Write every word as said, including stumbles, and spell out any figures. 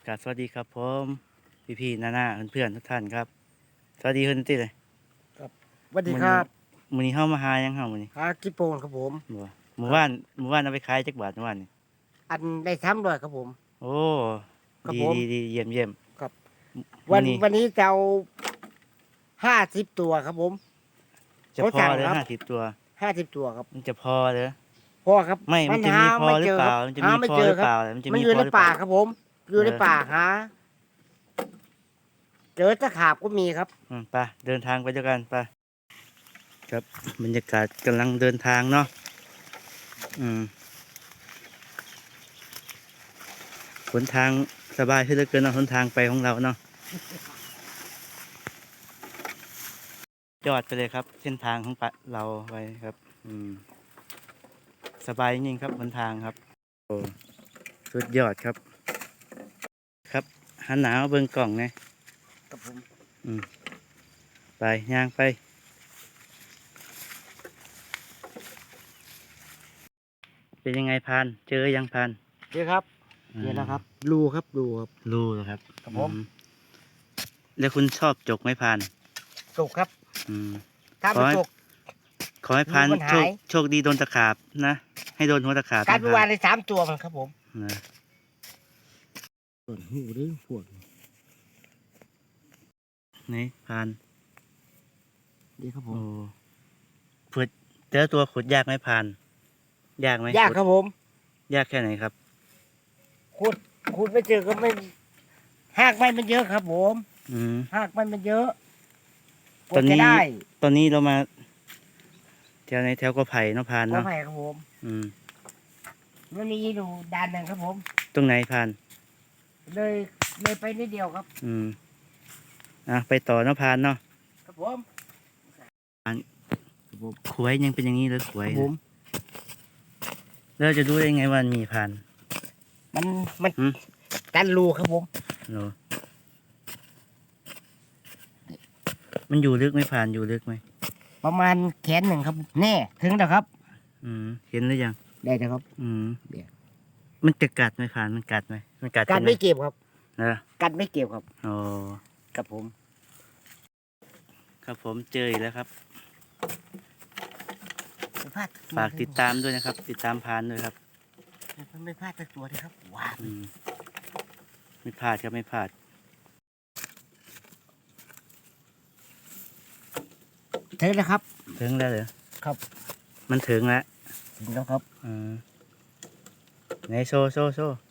กราบสวัสดีครับผมพี่พี่ๆน้าๆเพื่อนๆทุกท่านครับสวัสดีเพื่อนที่เลยสวัสดีครับมื้อนี้เฮามาหายังเฮามื้อนี้หากิโปนครับผมบ่หมู่บ้านหมู่บ้านเอาไปขายจักบาทเมื่อวานนี่อันได้ซ้ำด้วยครับผมโอ้ครับดีผมดีดีเยี่ยมเยี่ยมครับมื้วัอน นี้วันนี้จะเอาห้าสิบตัวครับผมจะเขาพอสั่งเหรือครับห้าสิบตัวห้าสิบตัวครับมันจะพอเหรอพ่อครับไม่มันจะหามีพอไม่หรืเจออเปคล่ารับมันจะหามีไม่พอเจหอรือครัเปบล่ามันจะมันมีอยู่พอในหรือเปป่าล่าครับผม อยู่ในเออป่าหา เจอตะขาบก็มีครับอืมไปเดินทางไปด้วยกันไปครับบรรยากาศกำลังเดินทางเนาะอืมหนทางสบายขึ้นเหลือเกินเนาะหนทางไปของเราเนาะยอดไปเลยครับ เส้นทางของปะเราไปครับ อืมสบายจริงๆครับหนทางครับโอ้สุดยอดครับ ครับหันหนาวเบิ่งกล่องไงครับผมอืมไปย่างไป เป็นยังไงพาน เจอยังพานเจอครับอืมเจอแล้วครับ รูครับ รูครับรู้แล้วครับครับผมอืแล้วคุณชอบจกไหมพานจกครับอืมถ้าขอไม่ให้จกขอให้พานรูมันโชหาคยโชคดีโดนตะขาบนะ ให้โดนหัวตะขาบการนะไปวานในสามตัวมันครับผมนะส่วนหูหรือพวกนี่พานดีครับผโอ้มขุดเจอตัวขุดยากไหมพาน ยากไหมยากขุดครับผมยากแค่ไหนครับขุดขุดไม่เจอก็ไม่หากไม่มันเยอะครับผมอืมหากไม่มันเยอะกตอนว่านี้จะได้ตอนนี้เรามาแถวในแถวกอไผ่เนาะพานก็เนาะไผ่ครับผมอืมมันมีดูด้านหนึ่งครับผมตรงไหนพานเลยเลยไปนิดเดียวครับอืมอ่ะไปต่อเนาะพานเนาะครับผมขวยยังเป็นอย่างนี้เลยขวคยรับผมแล้วจะรู้ได้ไงว่ามันมีพานมันมันหืมกันรูครับผมเหรอมันอยู่ลึกไหมพานอยู่ลึกไหมประมาณแขนหนึ่งครับแน่ถึงแล้วครับอืมเห็นหรือยังได้แล้วครับอืมเดี๋ยวมันจะกัดไหมพานมันกัดไหมมันกัดกัดใช่ไหมไม่เก็บครับนะกัดไม่เก็บครับโอ้ครับผมครับผมเจออีกแล้วครับไม่พลาดฝากติดตามด้วยนะครับ ติดตามพานด้วยครับมันไม่พลาดสักตัวเลยครับว้าวอืมไม่พลาดครับไม่พลาดถึงแล้วครับถึงแล้วเหรอครับมันถึงแล้วถึงแล้วครับอืมไหนโซโซโซ